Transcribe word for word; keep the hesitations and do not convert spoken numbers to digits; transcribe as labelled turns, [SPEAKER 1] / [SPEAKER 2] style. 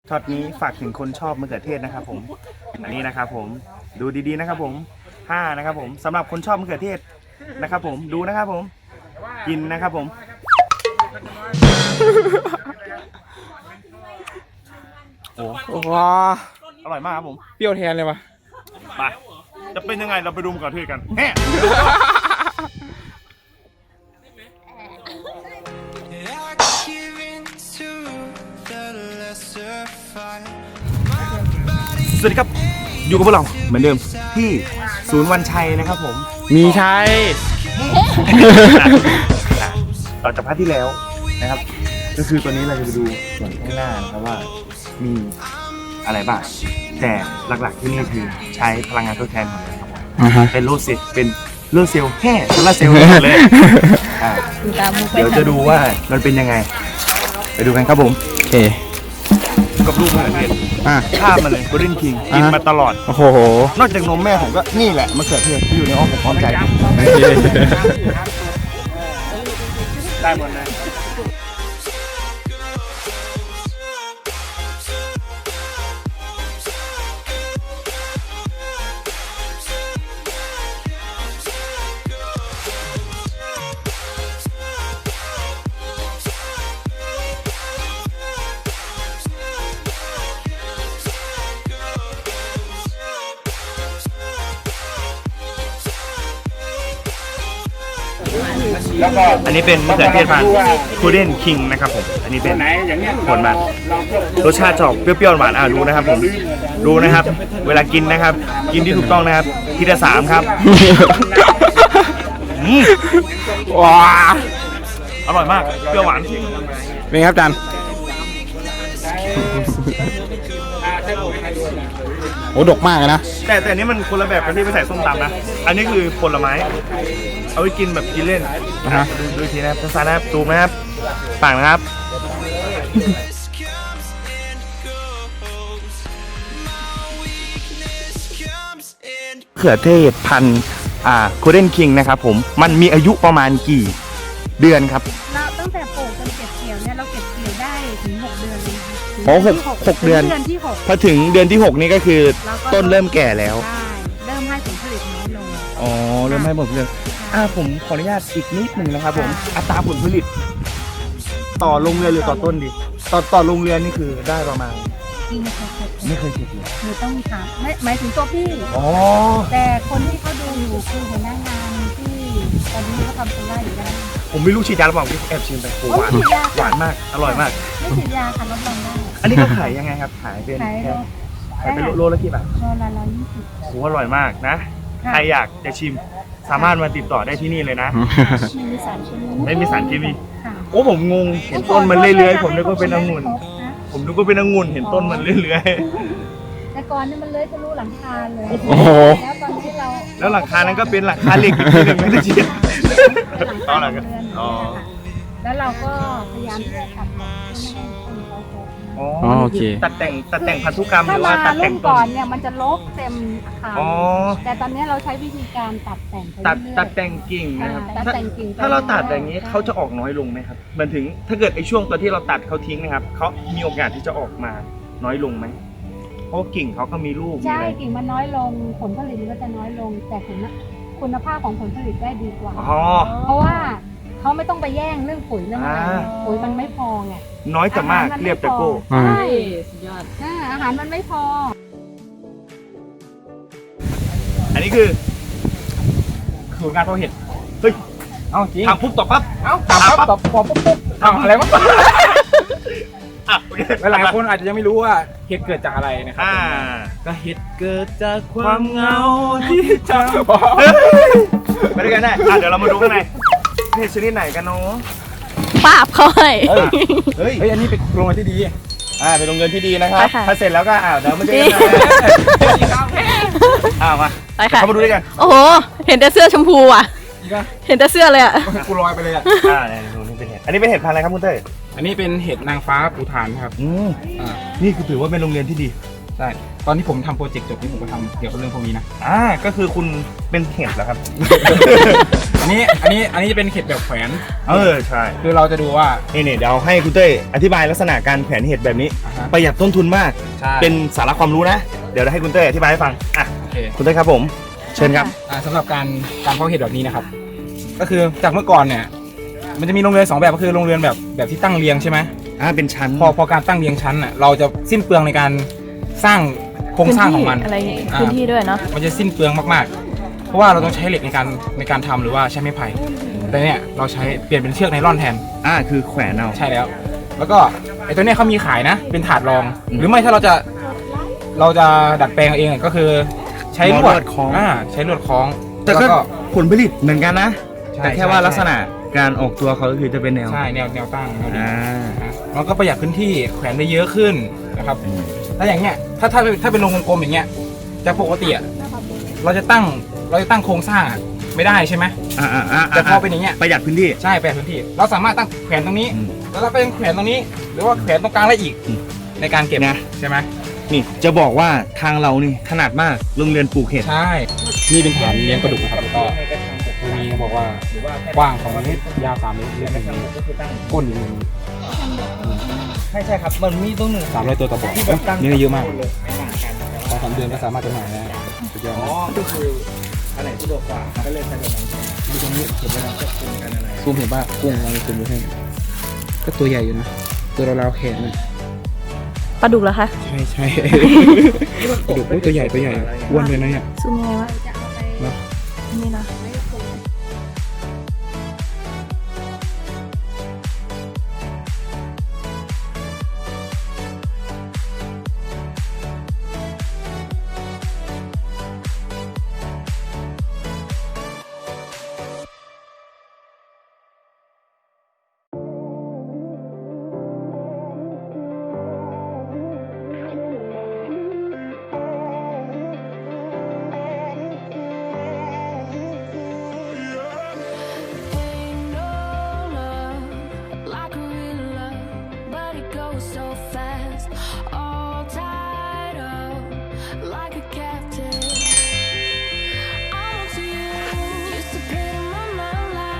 [SPEAKER 1] ช็อตนี้ฝากถึงคนชอบมะเขือเทศนะครับผมอันนี้นะครับผมดูดีๆนะครับผมห้านะครับผมสำหรับคนชอบมะเขือเทศนะครับผมดูนะครับผมกินนะครับผมโอ้
[SPEAKER 2] ว้า
[SPEAKER 1] อร่อยมากครับผม
[SPEAKER 2] เปรี้ยวแทนเลยวะ
[SPEAKER 1] ไปจะเป็นยังไงเราไปดูมะเขือเทศกันแฮ่สวัสดีครับอยู่กับพวกเราเหมือนเดิมที่ศูนย์วันชัยนะครับผม
[SPEAKER 2] มีชัย
[SPEAKER 1] ต่อจากพาร์ทที่แล้วนะครับก็คือตัวนี้เราจะไปดูส่วนข้างหน้านะครับว่ามีอะไรบ้างแต่หลักๆที่นี่คือใช้พลังงานทดแทนหมดเลยครับเป็นโลเซลเป็นโลเซลล์แค่โซลาร์เซลล์หมดเลยเดี๋ยวจะดูว่ามันเป็นยังไงไปดูกันครับผม
[SPEAKER 2] โอเค
[SPEAKER 1] กับลูกมะเขือเทศข้ามมาเลย Golden King กินมาตลอด
[SPEAKER 2] โอ้โห
[SPEAKER 1] นอกจากนมแม่ผมก็นี่แหละมะเขือเทศที่อยู่ในอ้อมอกอ้อมใจได้หมดเลยอันนี้เป็นมะเขือเทศพันธุ์ Golden King นะครับผมอันนี้เป็นผลมันรสชาติจะออกเปรี้ยวๆหวานอ่ะดูนะครับผมดูนะครับเวลากินนะครับกินที่ถูกต้องนะครับทีละสามครับ
[SPEAKER 2] ว้า
[SPEAKER 1] อร่อยมากเปรี้ยวหวาน
[SPEAKER 2] เป็นไงครับจันโอ้ดกมากเลยนะ
[SPEAKER 1] แต่แต่อันนี้มันคนละแบบกันที่ไปใส่ส้มตำนะอันนี้คือผลไม้เอาไว้กินแบบกินเล่นนะฮะดูดูทีนะครับสั้นๆนะครับตูมนะครับปากนะครับมะเขือเทศพันธุ์อ่า Golden King นะครับผมมันมีอายุประมาณกี่เดือนครับ
[SPEAKER 3] เราตั้งแต่ปลูกจนเก็บเกี่ยวเนี่ยเราเก็บเกี่ยวได้ถึงหกเดือนเลย
[SPEAKER 1] โอ้หกหกเดือนพอถึงเดือนที่หกนี้ก็คือต้นเริ่มแก่แล้ว
[SPEAKER 3] เริ่มให้ผลผลิตน้อยลง
[SPEAKER 1] อ๋อเริ่มให้ผลผลิตอ่าผมขออนุญาตอีกนิดหนึ่งนะครับผมอัตราผลผลิตต่อโรงเรือนหรือต่อต้นดีต่อต่อโรงเรือนนี่คือได้ประมาณไม่เคยเก็บเลย
[SPEAKER 3] หนูต้องถามไม่หมายถึงตัวพี่อ๋อแต่คนที่เขาดูอยู่คือหัวหน้างานที่ตอนนี้เขาทำโซล่าอยู่ได้
[SPEAKER 1] ผมไม่รู้ฉีดยาหรือเปล่าพี่แอบชิมไปหวานหวานมากอร่อยมาก
[SPEAKER 3] ไม่ฉีดยาค่ะรับรองได้
[SPEAKER 1] อันนี้ก็ขายยังไงครับขายเป็นขายเป็นโลละกี่บาท
[SPEAKER 3] โลละร้อยยี่สิบ
[SPEAKER 1] โหอร่อยมากนะใครอยากจะชิมสามารถมาติดต่อได้ที่นี่เลยนะ
[SPEAKER 3] ไม่มีสารเคมี
[SPEAKER 1] ไม่มีสารเคมีโอ้ผมงงเห็นต้นมันเลื้อยๆผมนึกว่าเป็นองุ่นผมนึกว่าเป็นองุ่นเห็นต้นมันเลื้อย
[SPEAKER 3] ๆแต่ก่อนนี่มันเลื้อยทะลุหลังคาเลย
[SPEAKER 1] โอ้โห
[SPEAKER 3] แล้วตอนที่เรา
[SPEAKER 1] แล้วหลังคานั้นก็เป็นหลังคาเหล็กอีกทีหนึ่งไม่ได้ฉีด
[SPEAKER 3] อ๋อหลังคาอ๋อแล้วเราก็พยายามที่จะตัดแต่งให้ต้นเขาโต
[SPEAKER 1] อ๋อโอเคตัดแต่งตัดแต่งพันธุกรรมหรือว่าตัดแต่ง
[SPEAKER 3] ต้นก่อนเนี่ยมันจะลกเต็มอาคารแต่ตอนนี้เราใช้วิธีการตัดแต่ง
[SPEAKER 1] ตัดตัดแต่งกิ่งนะครับ
[SPEAKER 3] ตัดแต่งกิ่ง
[SPEAKER 1] ถ้าเราตัดอย่างนี้เขาจะออกน้อยลงไหมครับมันถึงถ้าเกิดไอ้ช่วงตัวที่เราตัดเขาทิ้งนะครับเขามีโอกาสที่จะออกมาน้อยลงไหมเพราะกิ่งเขาก็มีลูก
[SPEAKER 3] ใช่กิ่งมันน้อยลงผลผลิตมันก็จะน้อยลงแต่คุณคุณภาพของผลผลิตได้ดีกว่าเพราะว่าเขาไม่ต้องไปแย่งเรื่องปุ๋ยเรื่องอะไรปุ๋ยมันไม่พอไง
[SPEAKER 1] น้อยแต่มากเรียบแต่โก้
[SPEAKER 3] ใช่สุดยอดอาหารมันไม่พอ
[SPEAKER 1] อันนี้คือสูตรงานเพาะเห็ดเฮ้ยเอาจริงทำปุ๊บตอบปั๊บเอาทำปั๊บตอบปุ๊บปุ๊บทำอะไรวะ
[SPEAKER 2] หลายคนอาจจะยังไม่รู้ว่าเห็ดเกิดจากอะไรนะครับ
[SPEAKER 1] ก็เห็ดเกิดจากความเหงาที่จำไปด้วยกันได้เดี๋ยวเรามาดูข้างในเห็ดชนิดไหนกันเนาะ
[SPEAKER 4] ปราบเขาให้
[SPEAKER 1] เฮ้ย
[SPEAKER 2] อันนี้เป็นโรงเรียนที่ดี
[SPEAKER 1] อ่าเป็นโรงเรียนที่ดีนะครับถ้าเสร็จแล้วก็อ่าเดี๋ยวมาเจอกันอ่ามา
[SPEAKER 4] ไปค่ะ
[SPEAKER 1] เข้ามาดูด้วยกัน
[SPEAKER 4] โอ้โหเห็นแต่เสื้อชมพูอ่ะเห็นแต่เสื้อเลยอ่ะ
[SPEAKER 2] กูลอยไปเลยอ่ะ
[SPEAKER 1] อ่าเนี่ยดูนี่เป็นเห็ดอันนี้เป็นเห็ดพันธุ์อะไรครับคุณเต้
[SPEAKER 2] อันนี้เป็นเห็ดนางฟ้าภูฐานครับ
[SPEAKER 1] อืมอ่านี่คือถือว่าเป็นโรงเรียนที่ดี
[SPEAKER 2] ใช่ตอนที่ผมทำโปรเจกต์จบที่ผมก็ทำเกี่ยวกับเรื่องพวกนี้นะ
[SPEAKER 1] อ่าก็คือคุณเป็นเห็ดเหรอครับ
[SPEAKER 2] อันนี้อันนี้อันนี้จะเป็นเห็ดแบบแขวน
[SPEAKER 1] เออใช่
[SPEAKER 2] คือเราจะดูว่า
[SPEAKER 1] นี่นี่เดี๋ยวให้คุณเต้ยอธิบายลักษณะการแขวนเห็ดแบบนี้
[SPEAKER 2] อ่าฮะ
[SPEAKER 1] ประหยัดต้นทุนมาก
[SPEAKER 2] ใช่
[SPEAKER 1] เป็นสาระความรู้นะ เดี๋ยวให้คุณเต้ยอธิบายให้ฟังอ่ะ
[SPEAKER 2] โอเค
[SPEAKER 1] คุณเต้ยครับผม เชิญครับ
[SPEAKER 2] อ่าสำหรับการการเพาะเห็ดแบบนี้นะครับ ก็คือจากเมื่อก่อนเนี่ยมันจะมีโรงเรือนสองแบบก็คือโรงเรือนแบบแบบที่ตั้งเรียงใช่ไหม
[SPEAKER 1] อ่าเป็นชั้น
[SPEAKER 2] พอพอการตั้งเรียงชั้นอ่ะเราจะสิ้นเปลืองในการสร้างโครงสร้างของมัน
[SPEAKER 4] อะไรอย่างงี้
[SPEAKER 2] อ่า
[SPEAKER 4] พื้นที่ด้วยเนาะ
[SPEAKER 2] มันจะสิ้นเปลืองมากๆ เพราะว่าเราต้องใช้เหล็กในการในการทำหรือว่าใช้ไม้ไผ่แต่เนี่ยเราใช้เปลี่ยนเป็นเชือกไนล่อนแทน
[SPEAKER 1] อ่าคือแขวนเอา
[SPEAKER 2] ใช่แล้ว แล้วก็ไอ้ตัวเนี้ยเขามีขายนะ เป็นถาดรอง หรือไม่ถ้าเราจะเราจะดัดแปลงเอาเองก็คือใช้ลวดคล้องอ่าใช้ลวดคล้อง
[SPEAKER 1] แต่
[SPEAKER 2] แล้ว
[SPEAKER 1] ก็
[SPEAKER 2] ก็
[SPEAKER 1] ผลผลิตเหมือนกันนะ
[SPEAKER 2] ใช่
[SPEAKER 1] แต่แค่
[SPEAKER 2] ใช่
[SPEAKER 1] ว่า
[SPEAKER 2] ใช่
[SPEAKER 1] ลักษณะการออกตัวเขาก็คือจะเป็นแนว
[SPEAKER 2] ใช่แนวแนวตั้งแนวดิ่ง
[SPEAKER 1] อ่า
[SPEAKER 2] นะแล้วก็ประหยัดพื้นที่แขวนได้เยอะขึ้นนะครับถ้าอย่างเงี้ยถ้าถ้าถ้าเป็นโรงกลมๆอย่างเงี้ยจะปกติอะเราจะตั้งเราจะตั้งโครงสร้างอะไม่ได้ใช่ไหม
[SPEAKER 1] อ่าอ่าอ่า
[SPEAKER 2] แต่พอเป็นอย่างเงี้ย
[SPEAKER 1] ประหยัดพื้นที่
[SPEAKER 2] ใช่ประหยัดพื้นที่ เราสามารถตั้งแขวนตรงนี้
[SPEAKER 1] อืม
[SPEAKER 2] แล้วเราก็ยังแขวนตรงนี้ หรือว่าแขวนตรงกลางได้อีก
[SPEAKER 1] อืม
[SPEAKER 2] ในการเก็บ
[SPEAKER 1] นะ
[SPEAKER 2] ใช่ไหม
[SPEAKER 1] นี่จะบอกว่าทางเรานี่ถนัดมากโรงเรียนปลูกเห็ด
[SPEAKER 2] ใช่นี่เป็นฐานเลี้ยงปลาดุกนะครับแล้วก็ตรงนี้เขาบอกว่ากว้างสองเมตรยาวสามเมตรลึกหนึ่งเมตรก้นหนึ่ง
[SPEAKER 1] ใช่ใช่ครับมันมีตรงหนึ่ง
[SPEAKER 2] สามร้อยตัวต่อบ่อนี่ได้เยอะมากสองสามเดือนก็สามารถจำหน่ายได้สุดยอด
[SPEAKER 1] อ๋อก็คืออันไหนสะดวกกว่าก็เลยใช้แบบนั้น
[SPEAKER 2] ดูตรงนี้เห็นไหมครับซูมเห็นป่ะกุ้งลองซูมดูให้ก็ตัวใหญ่อยู่นะ ตัวเราๆแขนมัน
[SPEAKER 4] ปลาดุกเหรอคะ
[SPEAKER 2] ใช่ใช่กระดูกตัวใหญ่ตัวใหญ่อ้วนเลยนะเนี่ย
[SPEAKER 4] ซูมยังไงวะ
[SPEAKER 3] จะเอาไป
[SPEAKER 2] เนอะ
[SPEAKER 4] นี่นะ
[SPEAKER 3] ไว้ปลูก
[SPEAKER 5] Like a real love, but it goes so fast.